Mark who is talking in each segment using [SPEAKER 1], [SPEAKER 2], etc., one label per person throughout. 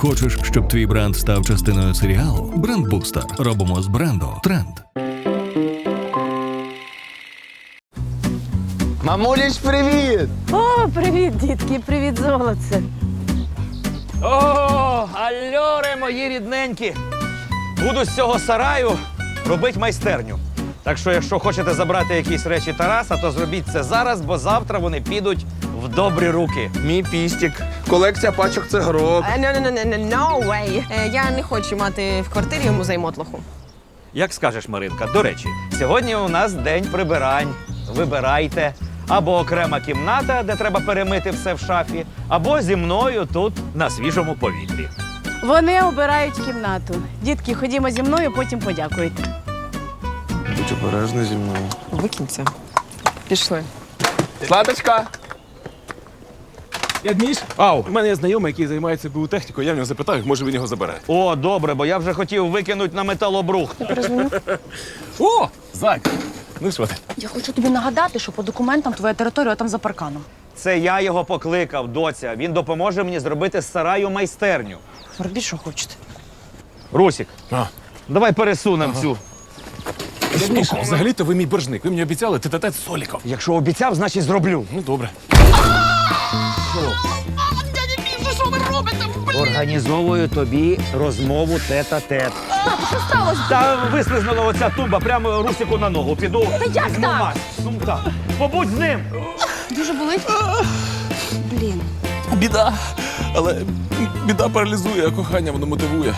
[SPEAKER 1] Хочеш, щоб твій бренд став частиною серіалу? Брендбустер. Робимо з бренду тренд.
[SPEAKER 2] Мамуліч, привіт!
[SPEAKER 3] О, привіт, дітки, привіт, золоце.
[SPEAKER 4] О, альоре, мої рідненькі! Буду з цього сараю робити майстерню. Так що, якщо хочете забрати якісь речі Тараса, то зробіть це зараз, бо завтра вони підуть в добрі руки.
[SPEAKER 2] Мій пістік. Колекція пачок цигрок.
[SPEAKER 5] No way. Я не хочу мати в квартирі музей мотлоху.
[SPEAKER 4] Як скажеш, Маринка. До речі, сьогодні у нас день прибирань. Вибирайте. Або окрема кімната, де треба перемити все в шафі, або зі мною тут на свіжому повітрі.
[SPEAKER 3] Вони обирають кімнату. Дітки, ходімо зі мною, потім подякуйте.
[SPEAKER 2] Будь обережна зі мною.
[SPEAKER 5] Викинь це. Пішли.
[SPEAKER 2] Златочка!
[SPEAKER 6] Ядміш,
[SPEAKER 4] Ау!
[SPEAKER 6] у мене є знайомий, який займається БУ-технікою, я в нього запитаю, може він його забере.
[SPEAKER 4] О, добре, бо я вже хотів викинути на металобрухт.
[SPEAKER 6] О, Зайка! Ну що ти?
[SPEAKER 7] Я хочу тобі нагадати, що по документам твоя територія там за парканом.
[SPEAKER 4] Це я його покликав, доця. Він допоможе мені зробити з сараю майстерню.
[SPEAKER 7] Робіть, що хочете.
[SPEAKER 4] Русік,
[SPEAKER 6] А.
[SPEAKER 4] давай пересунемо цю.
[SPEAKER 6] Ядміш, взагалі-то ви мій боржник. Ви мені обіцяли тет-а-тет з Соліком.
[SPEAKER 4] Якщо обіцяв, значить зроблю.
[SPEAKER 6] Ну, добре.
[SPEAKER 4] Організовую тобі розмову тет-а-тет. Що сталося? Та вислизнула оця тумба прямо Русіку на ногу. Піду. Та як так? Ну так. Побудь з ним.
[SPEAKER 7] Дуже болить? Блін.
[SPEAKER 6] Біда. Але біда паралізує, а кохання воно мотивує.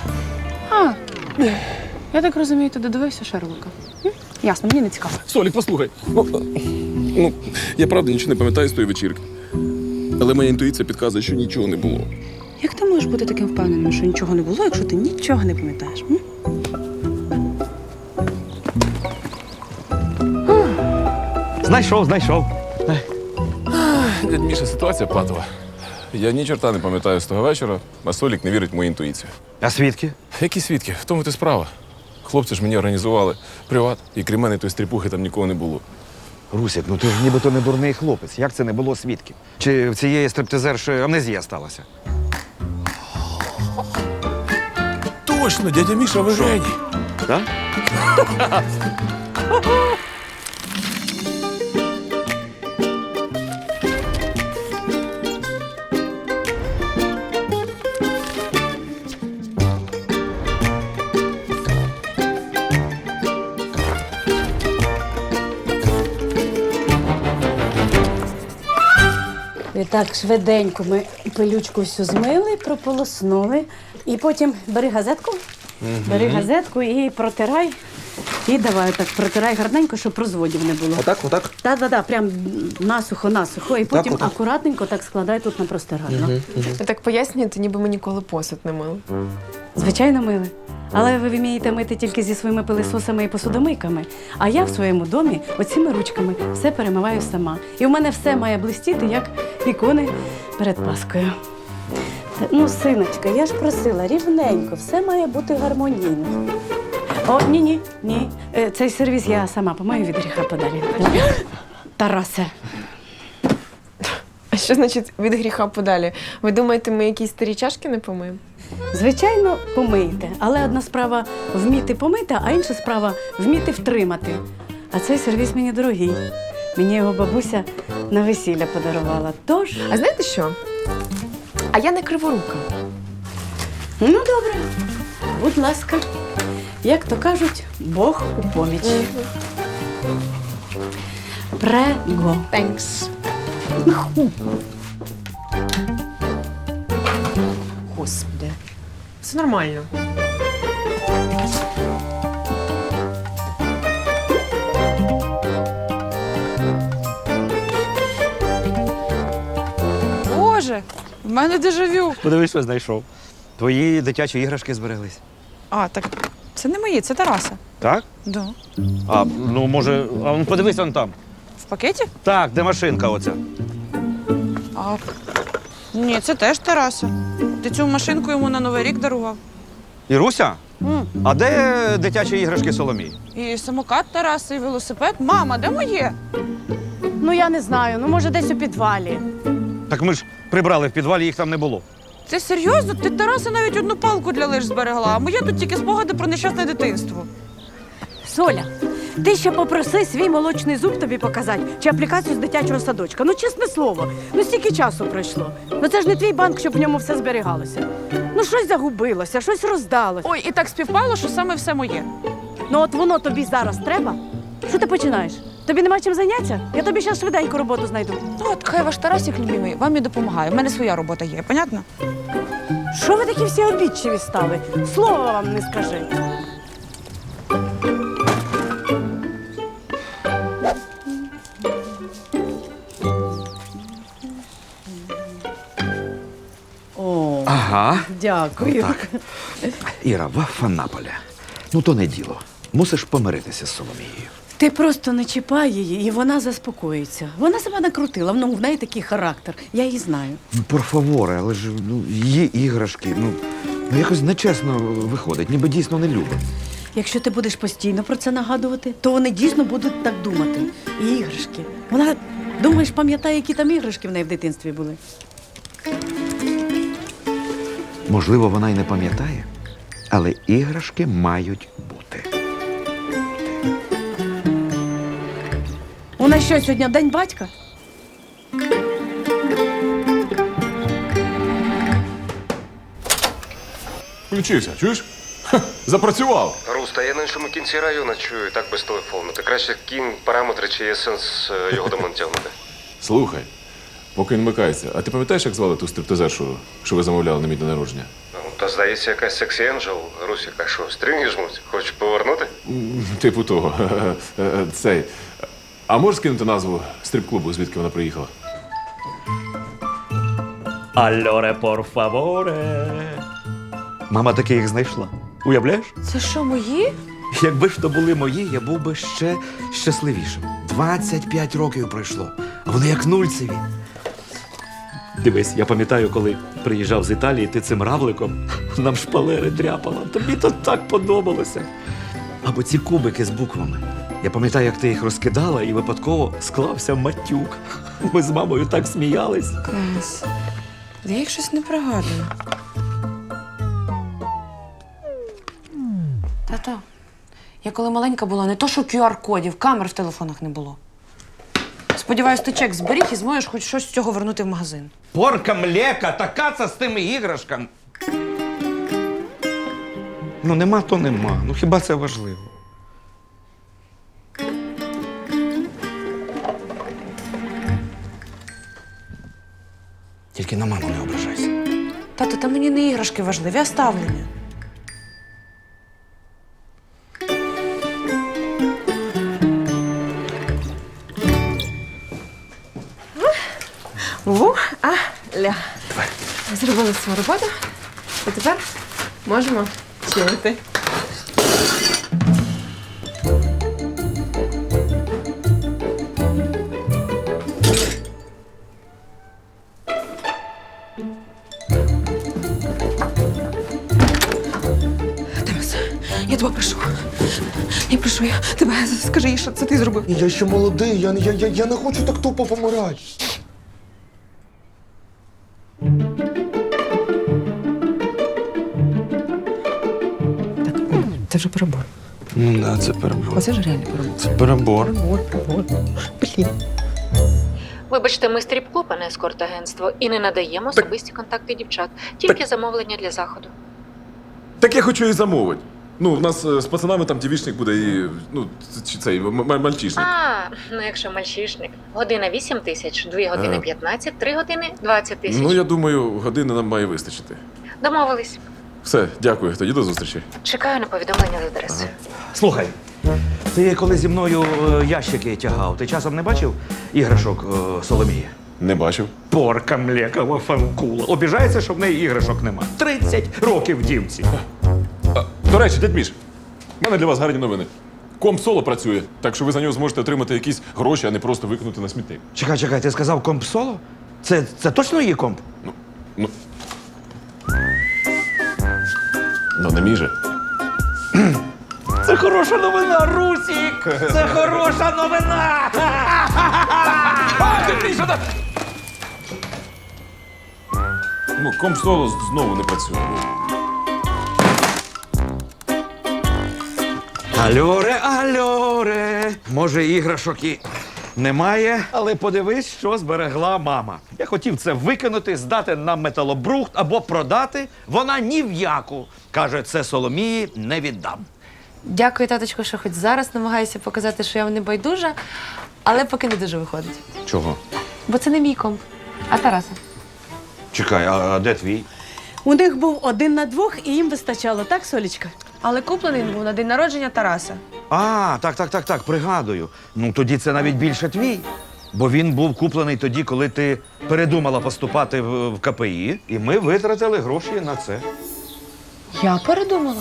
[SPEAKER 7] Я так розумію, ти додивився Шерлока? Ясно, мені не цікаво.
[SPEAKER 6] Солік, послухай. Ну, я правда нічого не пам'ятаю з тої вечірки. Але моя інтуїція підказує, що нічого не було.
[SPEAKER 7] Як ти можеш бути таким впевненим, що нічого не було, якщо ти нічого не пам'ятаєш?
[SPEAKER 4] Знайшов.
[SPEAKER 6] Дядь Міша, ситуація патова. Я ні чорта не пам'ятаю з того вечора, а Солік не вірить в мою інтуїцію.
[SPEAKER 4] А свідки?
[SPEAKER 6] Які свідки? В тому ти справа. Хлопці ж мені організували приват, і крім мене тої стріпухи там нікого не було.
[SPEAKER 4] Русік, ну ти ж нібито не дурний хлопець. Як це не було свідків? Чи в цієї стриптизерші амнезія сталася?
[SPEAKER 6] Точно, дядя Міша, ви геній.
[SPEAKER 4] Так?
[SPEAKER 3] І так швиденько ми пилючку всю змили, прополоснули. І потім бери газетку, бери газетку і протирай. І давай так протирай гарненько, щоб розводів не було.
[SPEAKER 2] Отак?
[SPEAKER 3] Так, прям насухо. І потім
[SPEAKER 2] отак.
[SPEAKER 3] акуратненько так складай тут на простирадло.
[SPEAKER 5] Ви так пояснюєте, ніби ми ніколи посуд не мили.
[SPEAKER 3] Звичайно, мили. Але ви вмієте мити тільки зі своїми пилисосами і посудомийками. А я в своєму домі оціми ручками все перемиваю сама. І в мене все має блистіти, як ікони перед Паскою. Ну, синочка, я ж просила рівненько, все має бути гармонійно. О, ні. Цей сервіс я сама помию від гріха подалі. Тарасе.
[SPEAKER 5] А що значить від гріха подалі? Ви думаєте, ми якісь старі чашки не помиємо?
[SPEAKER 3] Звичайно, помийте. Але одна справа вміти помити, а інша справа вміти втримати. А цей сервіс мені дорогий. Мені його бабуся на весілля подарувала. Тож,
[SPEAKER 5] А знаєте що? А я не криворука.
[SPEAKER 3] ну добре, будь ласка. Як то кажуть, Бог у поміч. Прего.
[SPEAKER 5] Thanks. Господи. Все нормально.
[SPEAKER 8] Боже, в мене дежавю.
[SPEAKER 4] Подивись, що знайшов. Твої дитячі іграшки збереглись.
[SPEAKER 8] А, так це не мої, це Тараса.
[SPEAKER 4] Так?
[SPEAKER 8] Да.
[SPEAKER 4] А, ну може, подивись он там.
[SPEAKER 8] В пакеті?
[SPEAKER 4] Так, де машинка оця?
[SPEAKER 8] А, ні, це теж Тараса. Ти цю машинку йому на Новий рік дарував.
[SPEAKER 4] Іруся? А де дитячі іграшки Соломії?
[SPEAKER 8] І самокат Тараса, і велосипед. Мама, де моє?
[SPEAKER 3] Ну я не знаю, ну може десь у підвалі.
[SPEAKER 4] Так ми ж прибрали в підвалі, їх там не було.
[SPEAKER 8] Ти серйозно? Ти Тараса навіть одну палку для лиж зберегла, а моє тут тільки спогади про нещасне дитинство.
[SPEAKER 3] Соля, ти ще попроси свій молочний зуб тобі показати чи аплікацію з дитячого садочка. Ну, чесне слово, ну стільки часу пройшло. Ну це ж не твій банк, щоб в ньому все зберігалося. Ну щось загубилося, щось роздалося.
[SPEAKER 8] Ой, і так співпало, що саме все моє.
[SPEAKER 3] Ну от воно тобі зараз треба. Що ти починаєш? Тобі нема чим зайнятися? Я тобі зараз швиденько роботу знайду.
[SPEAKER 8] Ну от хай ваш Тарасик любимий вам і допомагає. У мене своя робота є, понятно?
[SPEAKER 3] Що ви такі всі обідчиві стали? Слова вам не скажи. О,
[SPEAKER 9] Ага.
[SPEAKER 3] дякую.
[SPEAKER 9] Так. Іра, Вафанаполя. Ну то не діло. Мусиш помиритися з Соломією.
[SPEAKER 3] Ти просто не чіпай її, і вона заспокоїться. Вона себе накрутила, ну, в неї такий характер. Я її знаю.
[SPEAKER 9] Ну, порфаворе, але ж її іграшки, ну якось нечесно виходить, ніби дійсно не любить.
[SPEAKER 3] Якщо ти будеш постійно про це нагадувати, то вони дійсно будуть так думати. І іграшки. Вона, думаєш, пам'ятає, які там іграшки в неї в дитинстві були?
[SPEAKER 9] Можливо, вона й не пам'ятає, але іграшки мають бути.
[SPEAKER 3] У нас що, сьогодні день батька?
[SPEAKER 6] Включився, чуєш? Ха, запрацював.
[SPEAKER 10] Руста, я на іншому кінці району чую, так без телефону. Ти краще кинь параметри, чи є сенс його до мене тягнути.
[SPEAKER 6] Слухай, поки він вмикається, а ти пам'ятаєш, як звали ту стриптизершу, що ви замовляли на мій день народження?
[SPEAKER 10] Ну, та здається, якась сексі енджел. Русіка, що, стрінги жмуть? Хочеш повернути?
[SPEAKER 6] Типу того. Цей. А можеш скинути назву стрип-клубу, звідки вона приїхала?
[SPEAKER 4] Альоре, пор фаворе. Мама таки їх знайшла. Уявляєш?
[SPEAKER 5] Це що, мої?
[SPEAKER 9] Якби ж то були мої, я був би ще щасливішим. 25 років пройшло, а вони як нульцеві.
[SPEAKER 4] Дивись, я пам'ятаю, коли приїжджав з Італії, ти цим равликом нам шпалери дряпала. Тобі то так подобалося.
[SPEAKER 9] Або ці кубики з буквами. Я пам'ятаю, як ти їх розкидала і випадково
[SPEAKER 4] Склався матюк. Ми з мамою так сміялись.
[SPEAKER 8] Клас. Я їх щось не пригадую. Тато, я коли маленька була, не то що QR-кодів, камер в телефонах не було. Сподіваюсь, ти чек зберіг і зможеш хоч щось з цього вернути в магазин.
[SPEAKER 4] Порка млека, така це з тими іграшками.
[SPEAKER 9] Ну нема, то нема. Ну хіба це важливо? Тільки на маму не ображайся.
[SPEAKER 8] Тато, та мені не іграшки важливі, а ставлення. Ля. Зробили свою роботу. І тепер можемо чилити. Тарас, я тебе прошу. Я прошу, я тебе скажи їй, що це ти зробив.
[SPEAKER 2] Я ще молодий, я не хочу так тупо помирати.
[SPEAKER 5] Це вже перебор.
[SPEAKER 2] Ну да, це перебор.
[SPEAKER 5] Оце ж реально перебор.
[SPEAKER 2] Це перебор.
[SPEAKER 5] Блін.
[SPEAKER 11] Вибачте, ми стріп-клуб, а не ескорт-агентство, і не надаємо особисті контакти дівчат, тільки замовлення для заходу.
[SPEAKER 6] Так я хочу і замовити. Ну, в нас з пацанами там дівічник буде і, ну, чи цей, мальчишник.
[SPEAKER 11] А, ну якщо мальчишник. Година 8 тисяч, 2 години 15, 3 години 20 тисяч.
[SPEAKER 6] Ну, я думаю, години нам має вистачити.
[SPEAKER 11] Домовились.
[SPEAKER 6] Все, дякую, тоді до зустрічі.
[SPEAKER 11] Чекаю на повідомлення з адресою.
[SPEAKER 9] Слухай, ти коли зі мною ящики тягав, ти часом не бачив іграшок Соломії?
[SPEAKER 6] Не бачив.
[SPEAKER 4] Порка млека, вафанкула. Обіжається, що в неї іграшок нема. 30 років дівці.
[SPEAKER 6] До речі, дядь Міш, в мене для вас гарні новини. Комп соло працює, так що ви за нього зможете отримати якісь гроші, а не просто викинути на смітник.
[SPEAKER 9] Чекай, ти сказав комп соло? Це точно її комп?
[SPEAKER 6] Ну, не мій же.
[SPEAKER 4] Це хороша новина, Русік! Це хороша новина!
[SPEAKER 6] чому комсоло знову не працює?
[SPEAKER 4] Альоре. Може, іграшок і немає, але подивись, що зберегла мама. Я хотів це викинути, здати на металобрухт або продати. Вона ні в яку. Каже, це Соломії не віддам.
[SPEAKER 8] Дякую, таточко, що хоч зараз намагаюся показати, що я вам не байдужа, але поки не дуже виходить.
[SPEAKER 4] Чого?
[SPEAKER 8] Бо це не мій комп, а Тараса.
[SPEAKER 4] Чекай, а де твій?
[SPEAKER 3] У них був 1 на 2, і їм вистачало, так, Солічка?
[SPEAKER 5] Але куплений він був на день народження Тараса.
[SPEAKER 4] А, так, пригадую. Ну, тоді це навіть більше твій. Бо він був куплений тоді, коли ти передумала поступати в КПІ, і ми витратили гроші на це.
[SPEAKER 5] Я передумала.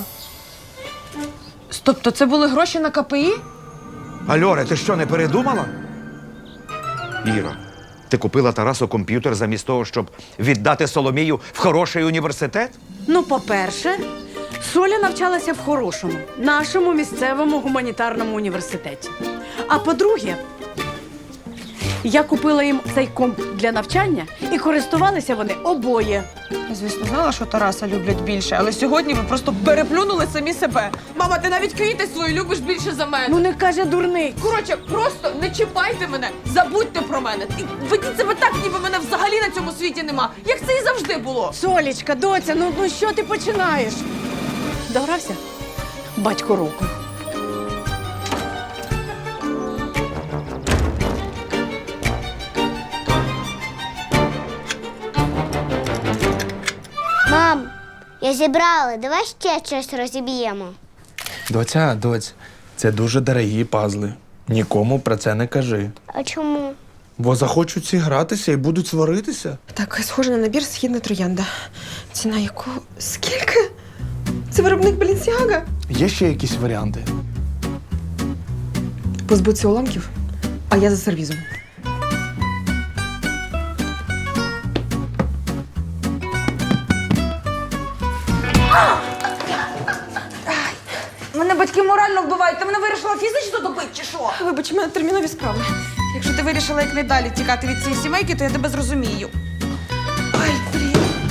[SPEAKER 5] Тобто це були гроші на КПІ?
[SPEAKER 4] Альоре, ти що, не передумала? Іра, ти купила Тарасу комп'ютер замість того, щоб віддати Соломію в хороший університет?
[SPEAKER 3] Ну, по-перше, Соля навчалася в хорошому, нашому місцевому гуманітарному університеті. А по-друге, я купила їм цей комп для навчання, і користувалися вони обоє.
[SPEAKER 5] Я, звісно, знала, що Тараса люблять більше, але сьогодні ви просто переплюнули самі себе. Мама, ти навіть квіти свої любиш більше за мене.
[SPEAKER 3] Ну не каже дурний.
[SPEAKER 5] Коротше, просто не чіпайте мене, забудьте про мене. І ведіть себе так, ніби мене взагалі на цьому світі нема. Як це і завжди було.
[SPEAKER 3] Солічка, доця, ну що ти починаєш? Догрався? Батько року.
[SPEAKER 12] Мам, я зібрала, давай ще щось розіб'ємо.
[SPEAKER 2] Доць, це дуже дорогі пазли. Нікому про це не кажи.
[SPEAKER 12] А чому?
[SPEAKER 2] Бо захочуть ці гратися і будуть сваритися.
[SPEAKER 5] Так, схоже на набір «Східна троянда». Ціна якого? Скільки? Це виробник Balenciaga?
[SPEAKER 2] Є ще якісь варіанти?
[SPEAKER 5] Позбутися уламків, а я за сервізом. Мене батьки морально вбивають. Ти мене вирішила фізично добити, чи що? Вибач, у мене термінові справи. Якщо ти вирішила як найдалі тікати від цієї сімейки, то я тебе зрозумію. Ай, блін.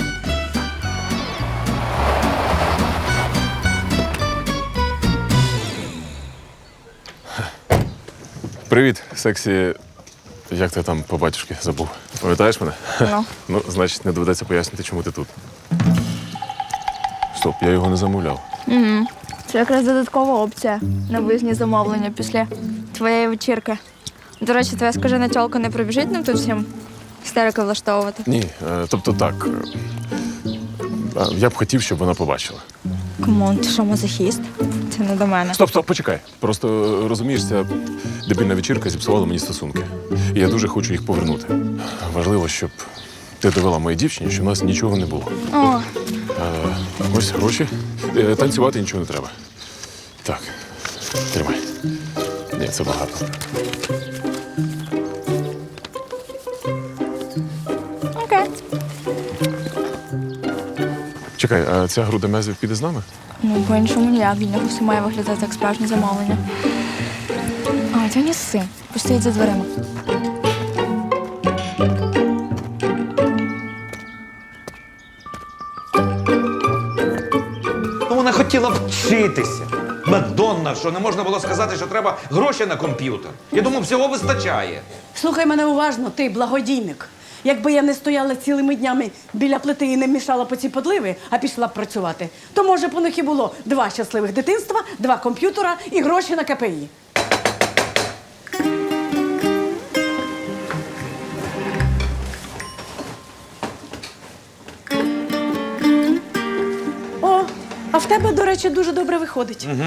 [SPEAKER 6] Привіт, сексі. Як ти там по батюшки забув? Пам'ятаєш мене?
[SPEAKER 5] Ну.
[SPEAKER 6] Ну, значить, не доведеться пояснити, чому ти тут. Стоп, я його не замовляв.
[SPEAKER 13] Угу. Це якраз додаткова опція на виїзні замовлення після твоєї вечірки. До речі, твоя скажена тьолка не прибіжить нам тут всім істерики влаштовувати?
[SPEAKER 6] Ні, тобто так. Я б хотів, щоб вона побачила.
[SPEAKER 13] Камон, ти що, мазохіст? Це не до мене.
[SPEAKER 6] Стоп, почекай. Просто розумієш, ця дебільна вечірка зіпсувала мені стосунки. І я дуже хочу їх повернути. Важливо, щоб ти довела моїй дівчині, що в нас нічого не було.
[SPEAKER 13] О,
[SPEAKER 6] Ось гроші. Танцювати нічого не треба. Так, тримай. Ні, це багато.
[SPEAKER 13] окей.
[SPEAKER 6] Чекай, а ця груда м'язів піде з нами?
[SPEAKER 13] Ну, по-іншому ніяк, від нього все має виглядати як справжнє замовлення. А, ти не сси. Постоїть за дверима.
[SPEAKER 4] Ну, вона хотіла вчитися. Мадонна, що не можна було сказати, що треба гроші на комп'ютер. Я думав, всього вистачає.
[SPEAKER 3] Слухай мене уважно, ти благодійник. Якби я не стояла цілими днями біля плити і не мішала по ці подливи, а пішла б працювати, то, може, б у них і було 2 щасливих дитинства, 2 комп'ютера і гроші на КПІ. О, а в тебе, до речі, дуже добре виходить.
[SPEAKER 4] Угу.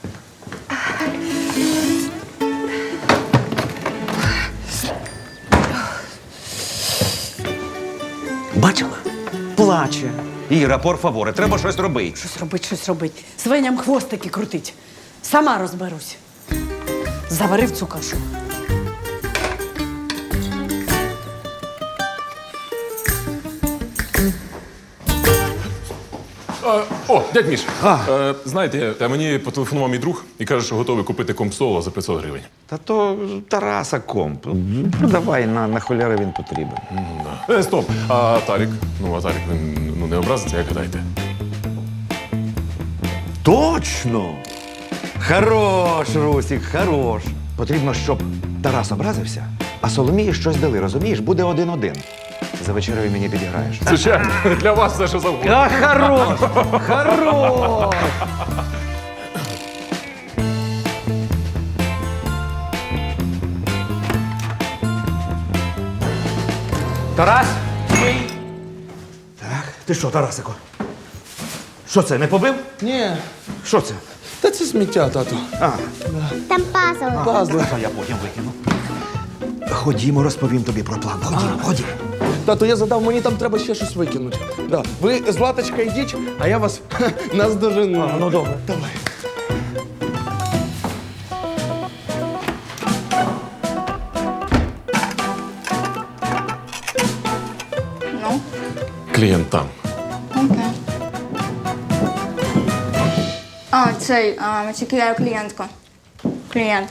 [SPEAKER 4] Бачила? Плаче. Іра, пор фаворе, треба щось робити.
[SPEAKER 3] Щось робить. Свиням хвостики крутить. Сама розберусь. Заварив цю кашу.
[SPEAKER 6] О, дядь Міш, знаєте, мені потелефонував мій друг і каже, що готовий купити комп-соло за 500 гривень.
[SPEAKER 9] Та то Тараса комп. Ну, давай, на холяри він потрібен.
[SPEAKER 6] Стоп, а Тарік? А Тарік, він не образиться, як гадаєте?
[SPEAKER 9] Точно! Хорош, Русік, хорош. Потрібно, щоб Тарас образився, а Соломії щось дали, розумієш? Буде 1-1. За вечерею мені підіграєш.
[SPEAKER 6] Звичайно, для вас все, що завгодно.
[SPEAKER 4] А, хорош! Хорош! Тарас? Так, ти що, Тарасико? Що це, не побив?
[SPEAKER 2] Ні,
[SPEAKER 4] Що це?
[SPEAKER 2] та це сміття, тато.
[SPEAKER 12] Там пазл.
[SPEAKER 2] Пазли.
[SPEAKER 4] А я потім викину. Ходімо, розповім тобі про план. Ходімо.
[SPEAKER 2] Тато, я задав, мені там треба ще щось викинути. Да. Ви, Златочка, йдіть, а я вас наздожену.
[SPEAKER 4] Ну, добре.
[SPEAKER 2] Давай.
[SPEAKER 13] Ну,
[SPEAKER 6] Клієнт там.
[SPEAKER 13] окей. А, цей, тільки я клієнтка. Клієнт.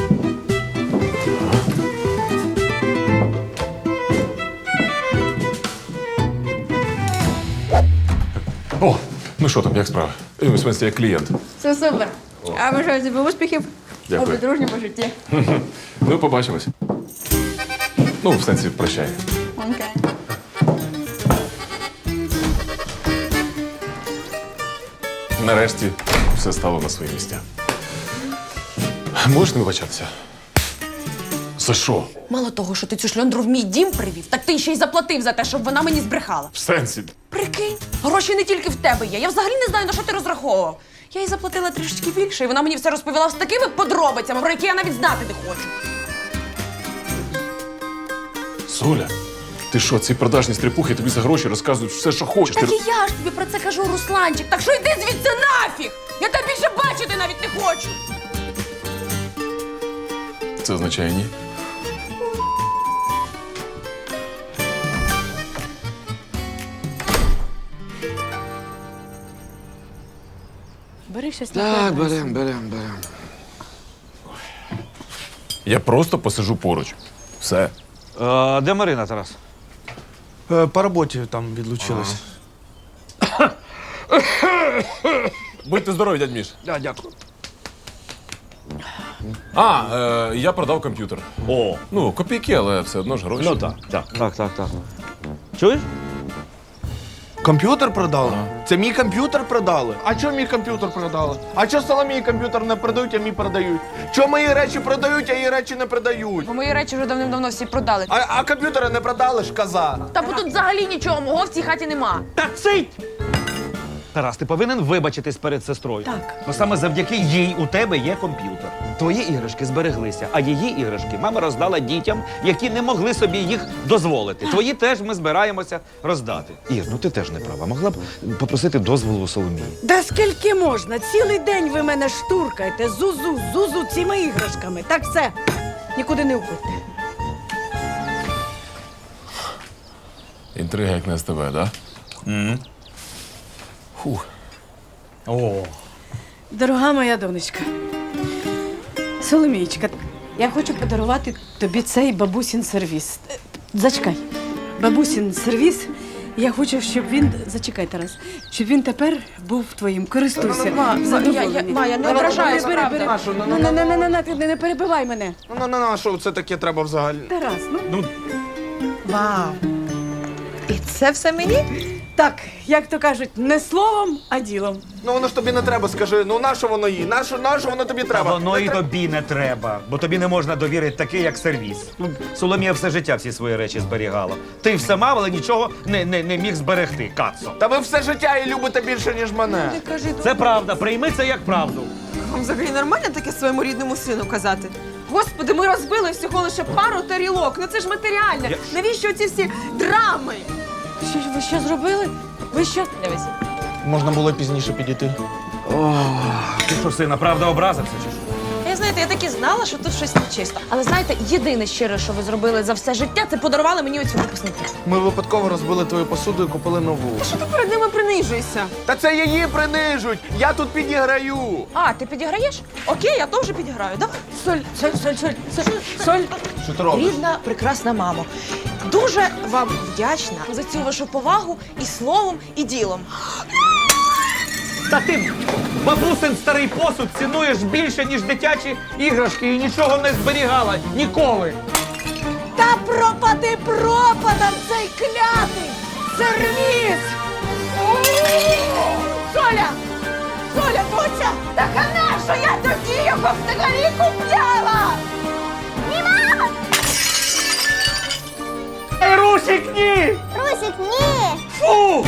[SPEAKER 6] О, ну що там, як справа? В смысле, як клієнт.
[SPEAKER 13] Все супер. Я бажаю тобі успіхів.
[SPEAKER 6] Дякую.
[SPEAKER 13] У подружньому житті.
[SPEAKER 6] Ну, побачимось. Ну, в сенсі, прощай.
[SPEAKER 13] Окей.
[SPEAKER 6] Нарешті все стало на свої місця. Можеш не вибачатися? За що?
[SPEAKER 8] Мало того, що ти цю шльондру в мій дім привів, так ти ще й заплатив за те, щоб вона мені збрехала.
[SPEAKER 6] В сенсі?
[SPEAKER 8] Прикинь, гроші не тільки в тебе є. Я взагалі не знаю, на що ти розраховував. Я їй заплатила трішечки більше, і вона мені все розповіла з такими подробицями, про які я навіть знати не хочу.
[SPEAKER 6] Соля, ти що, ці продажні стріпухи тобі за гроші розказують все, що хочеш.
[SPEAKER 8] Так і я ж тобі про це кажу, Русланчик. Так що йди звідси нафіг! Я тебе більше бачити навіть не хочу.
[SPEAKER 6] Це означає ні?
[SPEAKER 3] Бери щось
[SPEAKER 9] Так,
[SPEAKER 3] на
[SPEAKER 9] берем.
[SPEAKER 6] Я просто посижу поруч. Все.
[SPEAKER 4] Де Марина, Тарас?
[SPEAKER 2] По роботі там відлучилась.
[SPEAKER 6] Будьте здорові, дядь Міш.
[SPEAKER 4] Дякую.
[SPEAKER 6] Я продав комп'ютер.
[SPEAKER 4] О,
[SPEAKER 6] Ну, копійки, але все одно ж гроші.
[SPEAKER 4] ну так. Чуєш?
[SPEAKER 2] Комп'ютер продали? Це мій комп'ютер продали? А чого мій комп'ютер продали? А чого Соломії комп'ютер не продають, а мій продають? Чого мої речі продають, а її речі не продають?
[SPEAKER 8] Бо мої речі вже давним-давно всі продали.
[SPEAKER 2] А комп'ютери не продали ж, коза.
[SPEAKER 8] Та бо тут взагалі нічого мого в цій хаті нема.
[SPEAKER 4] Та цить! Тарас, ти повинен вибачитись перед сестрою.
[SPEAKER 3] Так.
[SPEAKER 4] Бо саме завдяки їй у тебе є комп'ютер. Твої іграшки збереглися, а її іграшки мама роздала дітям, які не могли собі їх дозволити. Твої теж ми збираємося роздати. Ір, ну ти теж не права. Могла б попросити дозволу у Соломії.
[SPEAKER 3] Да скільки можна? Цілий день ви мене штуркаєте. Зузу цими іграшками. Так все. Нікуди не уходьте.
[SPEAKER 6] Інтрига як не з тебе, да? Фух.
[SPEAKER 4] О.
[SPEAKER 3] Дорога моя донечка. Соломієчка, я хочу подарувати тобі цей бабусін сервіс. Зачекай. Бабусін сервіс. Я хочу, щоб він. Зачекай, Тарас. Щоб він тепер був твоїм. Користуйся.
[SPEAKER 8] Я не ображаюсь, правда.
[SPEAKER 3] Не перебивай мене.
[SPEAKER 2] Ну, що це таке треба взагалі?
[SPEAKER 3] Тарас, ну.
[SPEAKER 5] Вау. І це все мені?
[SPEAKER 3] Так, як то кажуть, не словом, а ділом.
[SPEAKER 2] Ну воно ж тобі не треба, скажи. Ну нащо воно їй? Нащо воно тобі треба?
[SPEAKER 4] Воно і тобі не треба, бо тобі не можна довірити такий, як сервіс. Ну, Соломія все життя всі свої речі зберігала. Ти все мав, але нічого не міг зберегти, Кацо.
[SPEAKER 2] Та ви все життя її любите більше, ніж мене.
[SPEAKER 4] Це правда, прийми це як правду.
[SPEAKER 5] Вам взагалі нормально таке своєму рідному сину казати? Господи, ми розбили всього лише пару тарілок. Ну це ж матеріальне. Навіщо ці всі драми?
[SPEAKER 3] Ви що зробили? Ви що?
[SPEAKER 8] Дивись.
[SPEAKER 2] Можна було пізніше підійти.
[SPEAKER 4] Ти що, сина, правда образився чи що?
[SPEAKER 5] Я з нею знаєте, я так і знала, що тут щось нечисто. Але знаєте, єдине щире, що ви зробили за все життя, це подарували мені оці випускники.
[SPEAKER 2] Ми випадково розбили твою посуду і купили нову.
[SPEAKER 5] Що ти перед ними принижуєшся?
[SPEAKER 2] Та це її принижуть! Я тут підіграю!
[SPEAKER 5] А, ти підіграєш? Окей, я теж підіграю. Давай. Соль.
[SPEAKER 2] Що ти робиш?
[SPEAKER 5] Рідна, прекрасна мамо. Дуже вам вдячна за цю вашу повагу і словом, і ділом.
[SPEAKER 4] Та ти бабусин старий посуд цінуєш більше, ніж дитячі іграшки і нічого не зберігала ніколи.
[SPEAKER 5] Та пропади пропадом цей клятий сервіс! Соля! Соля, Буся! Так а нащо я тоді його взагалі купляла? Ні, мама!
[SPEAKER 4] Русик, ні!
[SPEAKER 12] Русик, ні!
[SPEAKER 4] Фу!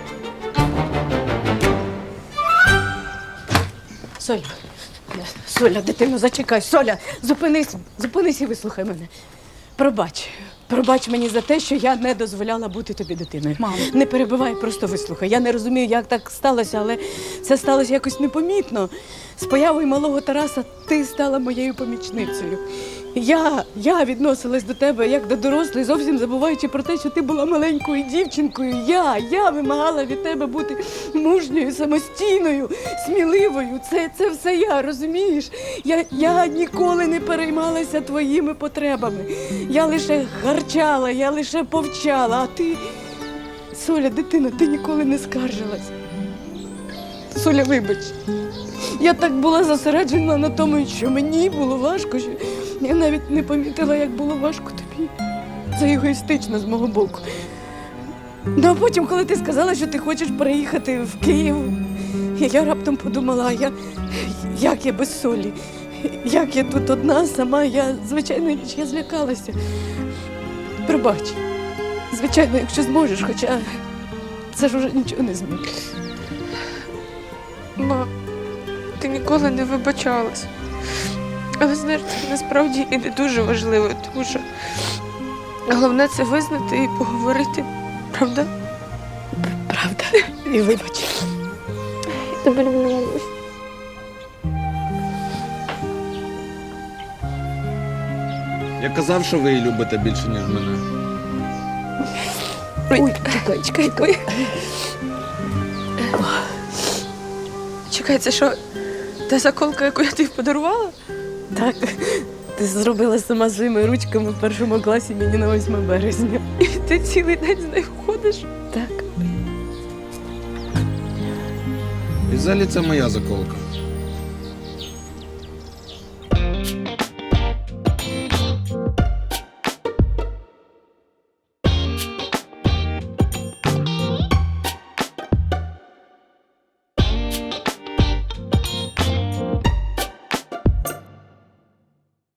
[SPEAKER 3] Соля, дитино, зачекай. Соля, зупинись і вислухай мене. Пробач мені за те, що я не дозволяла бути тобі дитиною.
[SPEAKER 5] Мамо.
[SPEAKER 3] Не перебивай, просто вислухай. Я не розумію, як так сталося, але це сталося якось непомітно. З появою малого Тараса ти стала моєю помічницею. Я відносилась до тебе як до дорослої, зовсім забуваючи про те, що ти була маленькою дівчинкою. Я вимагала від тебе бути мужньою, самостійною, сміливою. Це все я, розумієш? Я ніколи не переймалася твоїми потребами. Я лише гарчала, я лише повчала, а ти... Соля, дитина, ти ніколи не скаржилась. Соля, вибач. Я так була зосереджена на тому, що мені було важко, що я навіть не помітила, як було важко тобі. Це егоїстично з мого боку. Ну, а потім, коли ти сказала, що ти хочеш переїхати в Київ, я раптом подумала, як я без Солі? Як я тут одна, сама, звичайно, я злякалася. Пробач. Звичайно, якщо зможеш, хоча це ж уже нічого не змінить.
[SPEAKER 13] Ма, ти ніколи не вибачалась. Але знаєш, це насправді і не дуже важливо, тому що головне це визнати і поговорити. Правда?
[SPEAKER 3] Правда. І вибач.
[SPEAKER 13] Тебе люблю, мамусь.
[SPEAKER 2] Я казав, що ви її любите більше, ніж мене.
[SPEAKER 3] Ой, чекай.
[SPEAKER 13] Чекай, це що, та заколка, яку я тобі подарувала?
[SPEAKER 3] Так, ти зробила сама своїми ручками в першому класі мені на 8 березня.
[SPEAKER 13] І ти цілий день з нею ходиш?
[SPEAKER 3] Так.
[SPEAKER 2] І взагалі це моя заколка.